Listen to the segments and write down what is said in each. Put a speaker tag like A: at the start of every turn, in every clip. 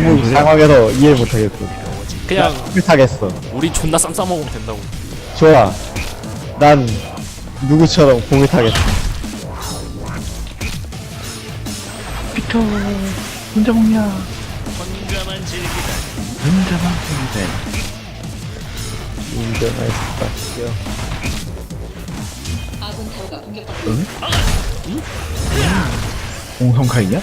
A: 상황에서 이해 못하겠어.
B: 그냥
A: 못하겠어.
B: 우리 존나 쌈 싸먹으면 된다고.
A: 좋아. 난 누구처럼 공을 타겠어.
C: 피터 혼자 먹냐?
D: 혼자만 즐기다.
C: 혼자만 즐기다.
A: 인정했다.
C: 공성카이냐?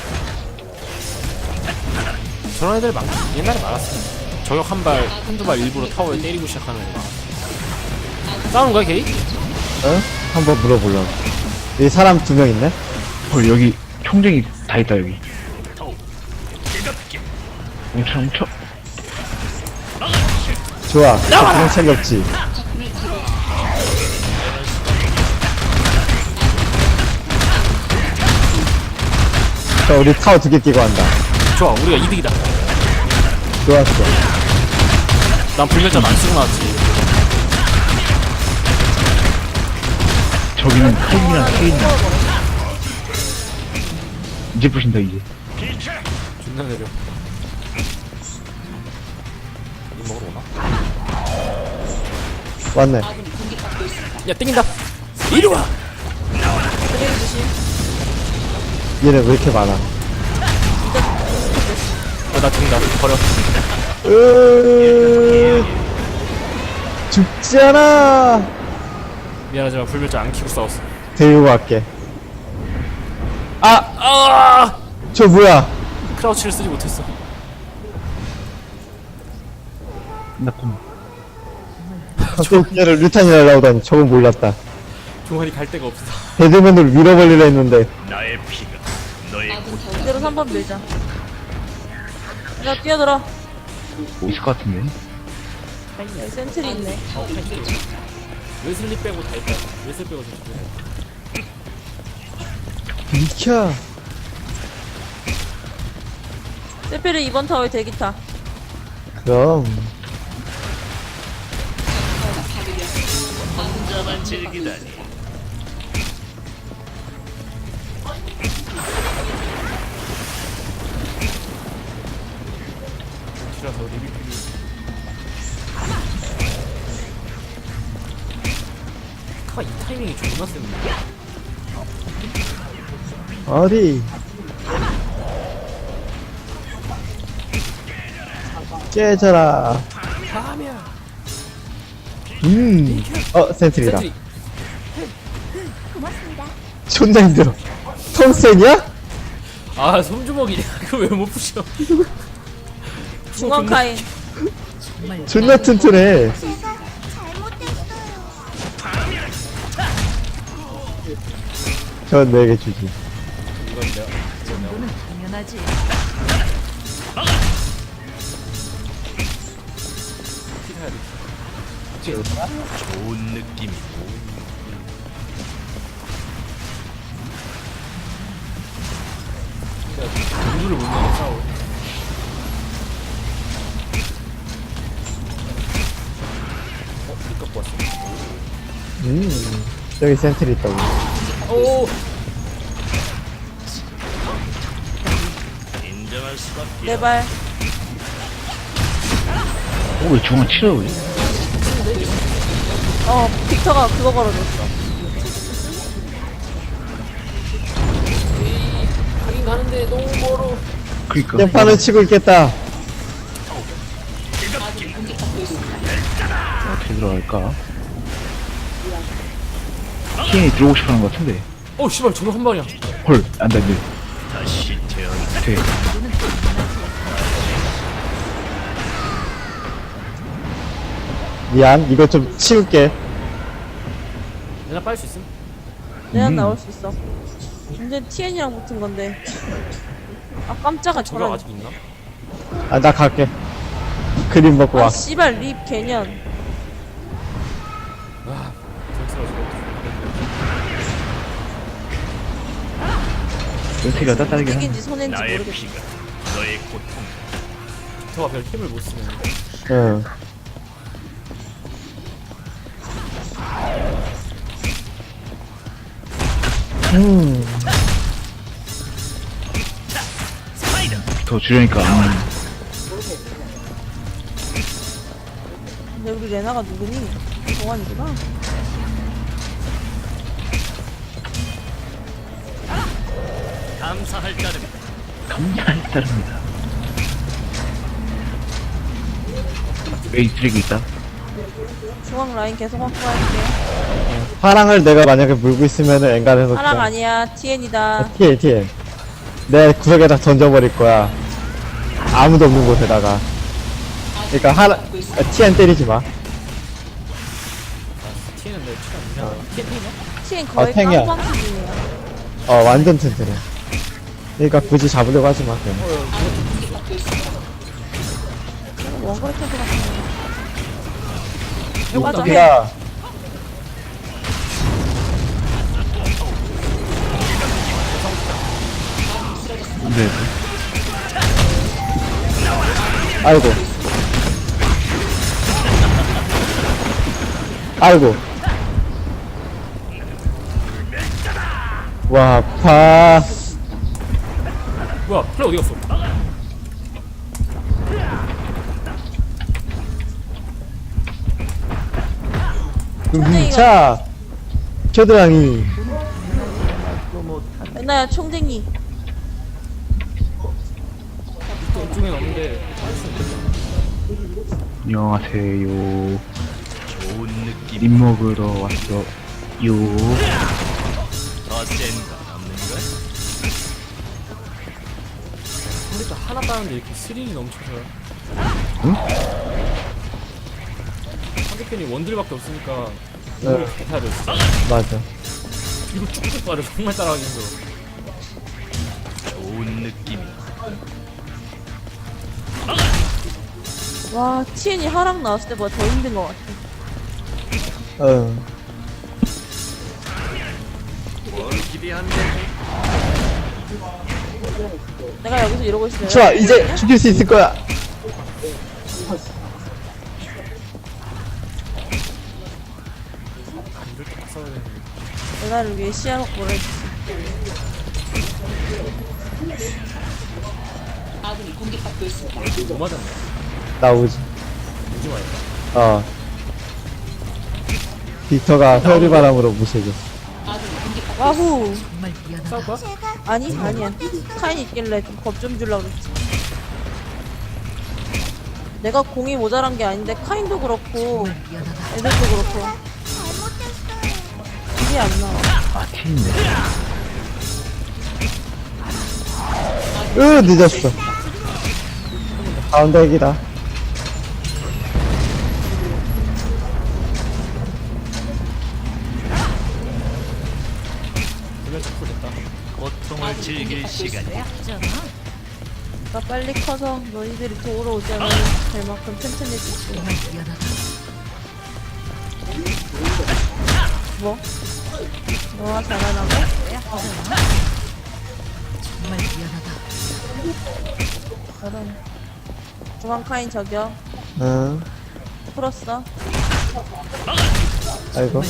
B: 저런 애들 옛날에 많았어. 저격 한두 발 일부러 타워에 때리고 시작하는 애들. 싸우는 거야, 게이?
A: 어? 한번 물어보려고. 여기 사람 2명 있네?
C: 여기 총쟁이 다 있다 여기. 뭉쳐.
A: 좋아. 그냥 챙겼지. 자, 우리 타워 2개 끼고 한다.
B: 좋아, 우리가 이득이다.
A: 좋았어.
B: 난 불멸자 안 쓰고 나왔지.
C: 저기는 칼이랑 케인이랑. 이제 부신다 이제.
B: 존나 내려. 이 먹으러 오나?
A: 왔네.
B: 야, 땡긴다. 이리 와!
A: 얘네 왜 이렇게 많아?
B: 나 죽는다. 버려.
A: 죽지 않아!
B: 미안하지만 불멸자 안 키고 싸웠어.
A: 데리고 갈게.
B: 아!
A: 저 뭐야?
B: 크라우치를 쓰지 못했어.
C: 나쁜.
A: 갑자기 얘를 류탄이 날라오다니 저건 몰랐다.
B: 종아리 갈 데가 없어.
A: 배드맨으로 밀어버리려 했는데
D: 나의 피가 너의
E: 이대로 3번 밀자. 야, 뛰어들어.
C: 뭐 있을 것 같은데.
E: 여기 센트리 있네.
B: 웨슬리 빼고 다 있다. 웨슬리 빼고 다 있다.
A: 비켜.
E: 세페리 2번 타워에 대기 타.
A: 그럼
D: 혼자만 즐기다니.
B: 키라서 리뷰필이. 이 타이밍이 존나 센데.
A: 어디? 깨져라. 센트리다.
B: 센트리.
A: 존나 힘들어. 톰센이야?
B: 아, 손주먹이냐? 그거 왜 못 부셔?
E: 중앙 카인.
A: 존나 튼튼해. 전 내게 주지.
B: 이건 내가.
E: 당연하지.
D: 좋은 느낌이.
B: 누구를 못 내게 싸워. 니 갖고 왔어.
A: 저기 센트리 있다고.
B: 오!
D: 인정할 수밖에.
E: 내 발.
C: 왜 중앙 치러 왜?
E: 빅터가 그거 걸어줬어.
B: 가긴 가는데 너무 멀어.
C: 그니까.
A: 땜판을 치고 있겠다.
C: 어떻게 들어갈까? 케인이 들어오고 싶어하는 것 같은데.
B: 씨발, 저거 한 방이야.
C: 헐, 안 돼, 안 돼.
D: 다시 태어나.
C: 돼.
A: 미안, 이거 좀 치울게.
B: 내가 빨 수 있음?
E: 내가 나올 수 있어. 근데 TN이랑 붙은 건데. 아, 깜짝아,
B: 저격
E: 저런.
B: 아직 있나?
A: 아, 나 갈게. 그림 먹고 와.
E: 아, 씨발, 립 개년.
C: 연태가 따따르게 하네.
E: 이긴지 손인지
D: 나의
E: 모르겠어.
D: 피가 너의 고통.
B: 저가 별 힘을 못 쓰네.
A: 응.
C: 더 줄여니까.
E: 근데 우리 레나가 누구니? 동환이구나.
D: 감사할 따름이다.
C: 감사에 따릅니다. 메이 쓰레기 있다.
E: 중앙 라인 계속 확보할게.
A: 파랑을 내가 만약에 물고 있으면은 엔간해서
E: 하랑 아니야. TN이다.
A: TN 내 구석에다 던져버릴 거야. 아무도 없는 곳에다가. 그러니까 TN 때리지 마.
B: TN은 내 취향 아니야. TN 탱이야?
E: TN 거의
A: 탱이야.
E: 깡방 수준이야.
A: 완전 튼튼해. 그러니까 굳이 잡으려고 하지 마. 그냥.
E: 원거리 캐드 같은 거. 맞아.
A: 여기가
C: 네.
A: 아이고. 아이고. 와, 아파.
B: 뭐야 플레이 어디 갔어?
A: 자, 겨드랑이.
E: 레나야 총쟁이.
B: 이쪽엔 없는데
C: 안녕하세요.
D: 좋은 느낌.
C: 립 먹으러 왔어요.
D: 더 센가 남는 거야?
B: 컴퓨터 하나 따는데 이렇게 스릴이 넘쳐서요.
C: 응?
B: 상대편이 원딜밖에 없으니까
A: 네.
B: 이걸 해야 돼 진짜.
A: 맞아.
B: 이거 쭉쭉 빠져 정말 따라가기 힘들어.
D: 좋은 느낌이야.
E: 와 TN이 하랑 나왔을 때보다 더 힘든 것 같아.
A: 응.
D: 뭘 기대한데?
E: 내가 여기서 이러고 있으면
A: 좋아, 이제 죽일 수 있을 거야.
E: 레나를 위해 시야 확보를 해주지.
B: 뭐 맞았네.
A: 나오지.
B: 오지 마요.
A: 빅터가 회오리바람으로 무시해줬어.
E: 와후.
B: 싸울 거야?
E: 아니야. 카인 있길래 좀 겁 좀 주려고 그랬지. 내가 공이 모자란 게 아닌데 카인도 그렇고 애들도 그렇고 길이 안 나와.
C: 아, 티인데.
A: 늦었어. 가운데 핵이다.
B: 그냥 잡고 됐다.
D: 고통을 즐길 시간이야.
E: 나 빨리 커서 너희들이 도우러 오자면 될 만큼 튼튼해지고. 뭐? 너가 잘하나고? 저런. 중앙 카인 저격.
A: 응.
E: 풀었어.
A: 아이고.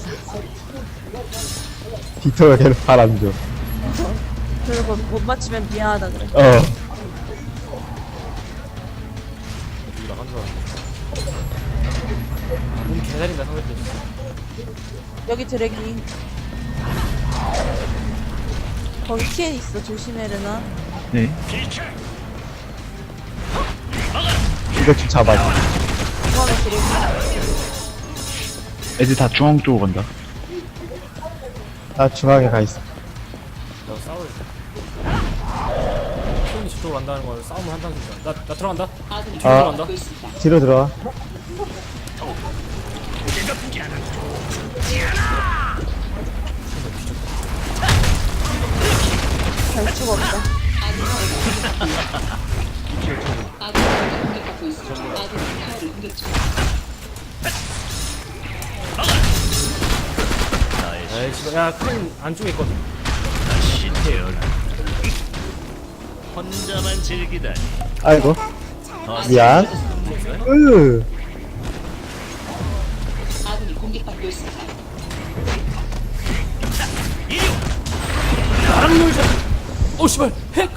A: 빅터가 계속 바람 줘.
E: 그리고 못 맞추면 미안하다 그래.
B: 여기랑 한 줄 알았네. 몸 개다린다 상대편.
E: 여기 드래기. 거기 TN 있어. 조심해 레나.
C: 네.
A: 이거 좀 잡아줘.
E: 중앙에 드래기.
C: 애들 다 중앙 쪽으로 간다.
A: 나 중앙에 가 있어.
B: 나 싸워야 돼. 손이 저쪽으로 간다는 건 싸움을 한다는 소리야. 나 들어간다. 뒤로 들어간다.
A: 뒤로 들어와.
E: 갈 수가 없다.
B: 에이 씨발 야 큰 안쪽에 있거든.
D: 다시 태어나. 혼자만 즐기다니.
A: 아이고.
D: 더
A: 미안.
B: 나랑 놀자. 오 씨발 핵.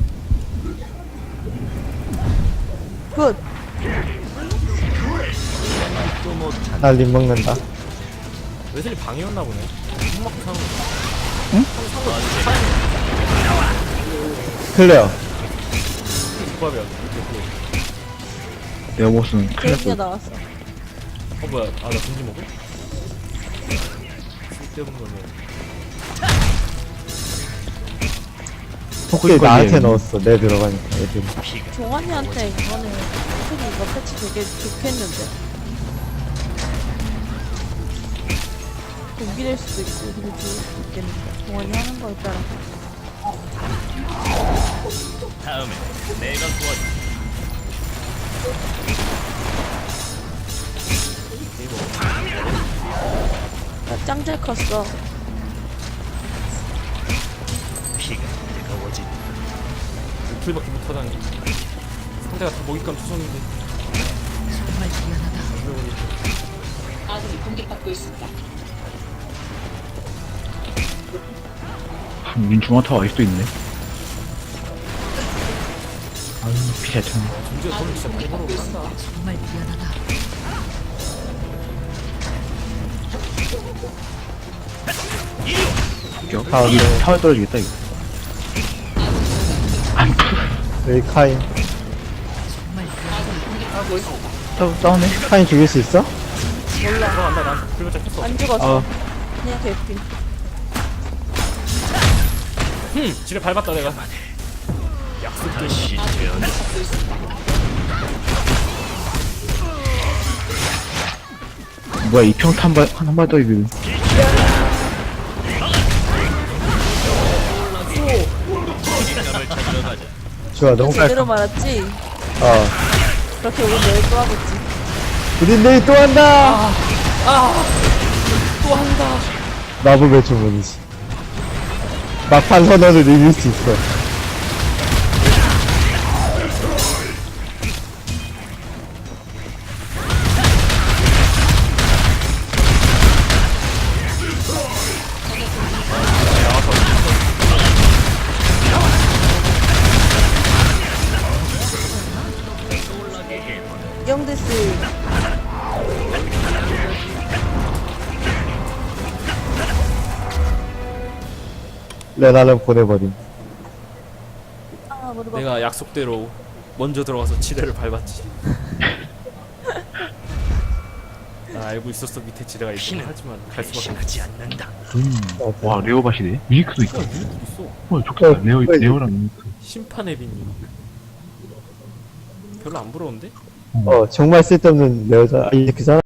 E: 굿.
D: 또 못한
A: 날림 먹는다.
B: 웨슬리 방이었나 보네. 술 먹고 사는 거.
A: 클레어.
B: 조합이야.
C: 에어보스는 큰일
E: 케이크가
C: 났어.
E: 나왔어.
B: 뭐야? 아, 나 금지 먹어? 쓸데없는 거네.
A: 혹시 나한테 넣었어. 내 들어가니까 애들.
E: 종환이한테 이거는 솔직히 이거 패치 되게 좋겠는데. 동기될 수도 있고 되게 좋을 수도 있겠는데. 종환이 하는 거에 따라.
D: 다음에 내가 도와줄게.
E: 짱 잘 컸어.
D: 피가 뜨거워진
B: 풀밖에 못하다니. 상대가 다 먹잇감 투성인데.
C: 민중화타워 아직도 있네. 아유, 피잘 쳤네.
B: 존재가 돈을 진짜 많이 벌어간다.
A: 아,
C: 이
A: 네.
C: 타워 떨어지겠다, 이거. 안
A: 여기 카인.
C: 싸우네.
A: 카인 죽일 수 있어?
B: 들어간다. 난 불만 잡혔어.
E: 안 죽었어.
A: 어.
E: 그냥 개핀.
B: 지뢰 밟았다 내가.
D: 다시 태어나
C: 뭐야, 이 평타 한 발 떨어지고.
D: 을 찾으러 가자.
A: 좋아, 너무
E: 제대로
A: 깔끔.
E: 말았지?
A: 어.
E: 그렇게 오늘 내일 또 하겠지.
A: 우린 내일 또 한다! 또 한다. 마법의 주문이지. 막판 선언을 이길 수 있어.
E: 영데스.
A: 레나를 보내버림.
E: 아, 머리 봐.
B: 내가 약속대로 먼저 들어가서 지뢰를 밟았지. 난 알고 있었어 밑에 지뢰가 있긴
D: 피는
B: 하지만 갈 수밖에 없어.
D: 배신하지 않는다.
C: 와, 레오밭이네. 뮤니크도 있다.
B: 이거 있어.
C: 와, 좋겠다. 레오랑 뮤니크.
B: 심판의 빈님. 별로 안 부러운데?
A: 정말 쓸데없는 여자. 아니, 그잖아.